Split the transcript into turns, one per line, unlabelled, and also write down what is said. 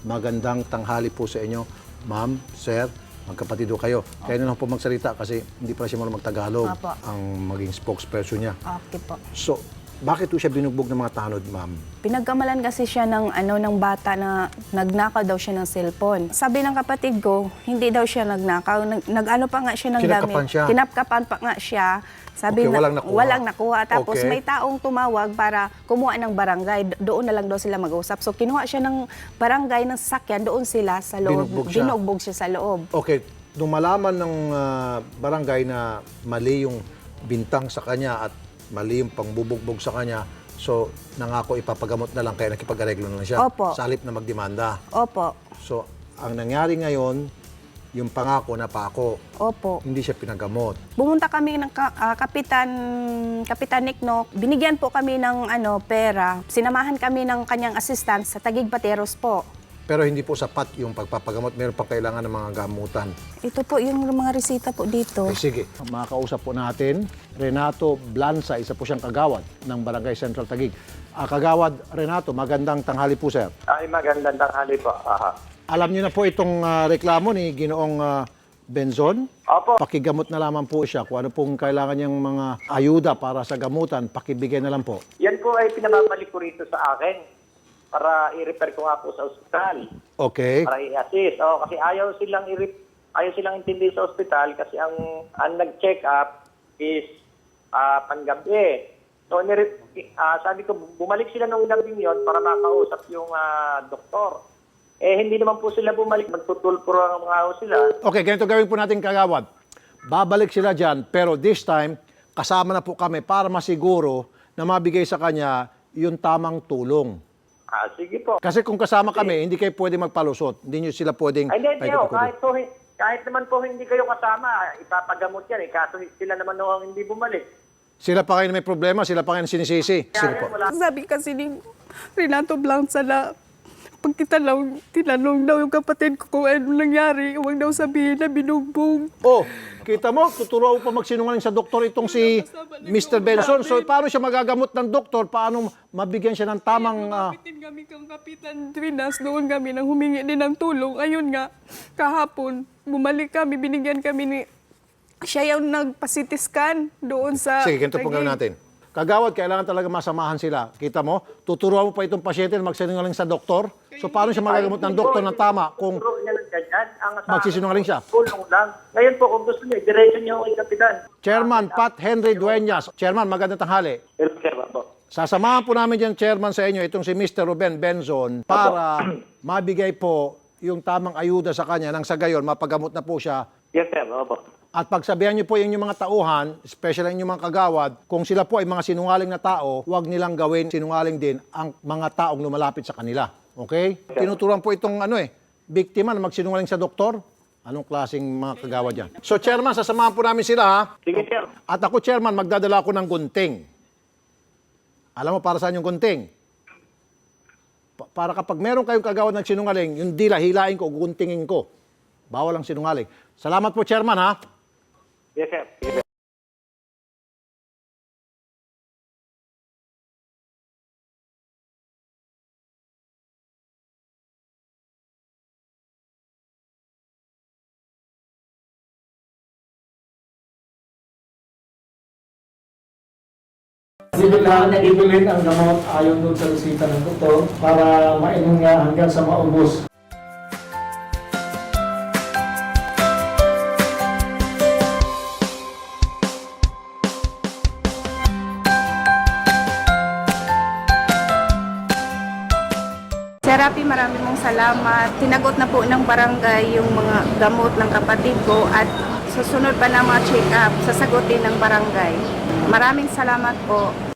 magandang tanghali po sa inyo. Ma'am, sir, magkapatid ho kayo. Kaya na lang po magsalita kasi hindi pa siya marunong magtagalog ang maging spokesperson niya.
Okay po.
So, bakit po siya binugbog ng mga tanod, ma'am?
Pinagkamalan kasi siya ng bata na nagnakaw daw siya ng cellphone. Sabi ng kapatid ko, hindi daw siya nagnakaw. Nag-ano pa nga siya ng
Kinapkapan
damit.
siya?
Kinapkapan pa nga siya. Sabi
Okay,
na,
walang nakuha.
Walang nakuha. Tapos
Okay.
may taong tumawag para kumuha ng barangay. Doon na lang daw sila mag-usap. So kinuha siya ng barangay ng sasakyan. Doon sila sa loob. Binugbog siya sa loob.
Okay, nung malaman ng barangay na mali yung bintang sa kanya at mali yung pangbubugbog sa kanya, so nangako ipapagamot na lang kaya nakipag-areglo na lang siya.
Opo.
Sa halip na magdemanda.
Opo.
So, ang nangyari ngayon, yung pangako na pako,
Opo.
hindi siya pinagamot.
Bumunta kami ng Kapitan Nikno. Binigyan po kami ng pera. Sinamahan kami ng kanyang assistant sa Taguig Pateros po.
Pero hindi po sapat yung pagpapagamot. Meron pa kailangan ng mga gamutan.
Ito po yung mga resita po dito.
Okay, sige. Makakausap po natin, Renato Blanza, isa po siyang kagawad ng Barangay Central Taguig. Kagawad Renato, magandang tanghali po, sir.
Ay, magandang tanghali po. Aha.
Alam niyo na po itong reklamo ni Ginoong Benzon.
Opo.
Pakigamot na lamang po siya. Kung ano pong kailangan niyang mga ayuda para sa gamutan, pakibigay na lang po.
Yan po ay pinababalik ko rito sa akin para i-refer ko nga po sa ospital.
Okay.
Para i-assist. Kasi ayaw silang intindi sa ospital kasi ang nag-check up is panggabi. So, sabi ko, bumalik sila nung gabing yon para makausap yung doktor. Hindi naman po sila bumalik. Magtutulpuro ang mga sila.
Okay, ganito gawin po natin, kagawad. Babalik sila dyan, pero this time, kasama na po kami para masiguro na mabigay sa kanya yung tamang tulong.
Sige po.
Kasi kung kasama kami, hindi kayo pwede magpalusot. Hindi nyo sila pwedeng...
Hindi, kahit naman po hindi kayo kasama, ipapagamot yan. Kaso sila naman ang hindi bumalik.
Sila pa kayo na may problema, sila pa kayo na sinisisi. Sige po.
Sabi kasi ni Renato Blanza na pag tinanong daw yung kapatid ko kung ano nangyari, huwag daw sabihin na binugbog.
Oh, kita mo, tuturo pa magsinungaling sa doktor itong si Mr. Benson. So, paano siya magagamot ng doktor? Paano mabigyan siya ng tamang...
Kapitin kami kang Kapitan Trinas, doon kami nang humingi din ng tulong. Ayun nga, kahapon, bumalik kami, binigyan kami ni... Siya yung nagpa-CT-scan doon sa...
Sige, ganito po gawin natin. Kagawad, kailangan talaga masamahan sila. Kita mo, tuturuan mo pa itong pasyente na magsinungaling sa doktor. So, paano siya magagamot ng doktor ng tama kung magsisinungaling siya?
Tulong lang. Ngayon po, kung gusto niyo, diretso niyo kay Kapitan.
Chairman Pat Henry Dueñas. Chairman, magandang tanghali. Sasamahan po namin dyan, Chairman, sa inyo, itong si Mr. Ruben Benzon para mabigay po yung tamang ayuda sa kanya nang sa gayon, mapagamot na po siya.
Yes, sir. Opo.
At pagsabihan niyo po yung inyong mga tauhan, especially yung mga kagawad, kung sila po ay mga sinungaling na tao, huwag nilang gawin sinungaling din ang mga taong lumalapit sa kanila. Okay? Tinuturuan po itong biktima na magsinungaling sa doktor. Anong klaseng mga kagawad yan? So, Chairman, sasamahan po namin sila, ha?
Sige, sir.
At ako, Chairman, magdadala ako ng gunting. Alam mo para saan yung gunting? Para kapag meron kayong kagawad ng sinungaling, yung dila, hilain ko, guntingin ko. Bawal ang sinungaling. Salamat po, Chairman, ha?
Yes, sir. Sige, sir.
Bibilin ang gamot ayon doon sa resita ng doktor para mainom nga hanggang sa maubos.
Sir Rafi, maraming mong salamat. Tinagot na po ng barangay yung mga gamot ng kapatid ko at susunod pa ng mga check-up, sasagutin ng barangay. Maraming salamat po.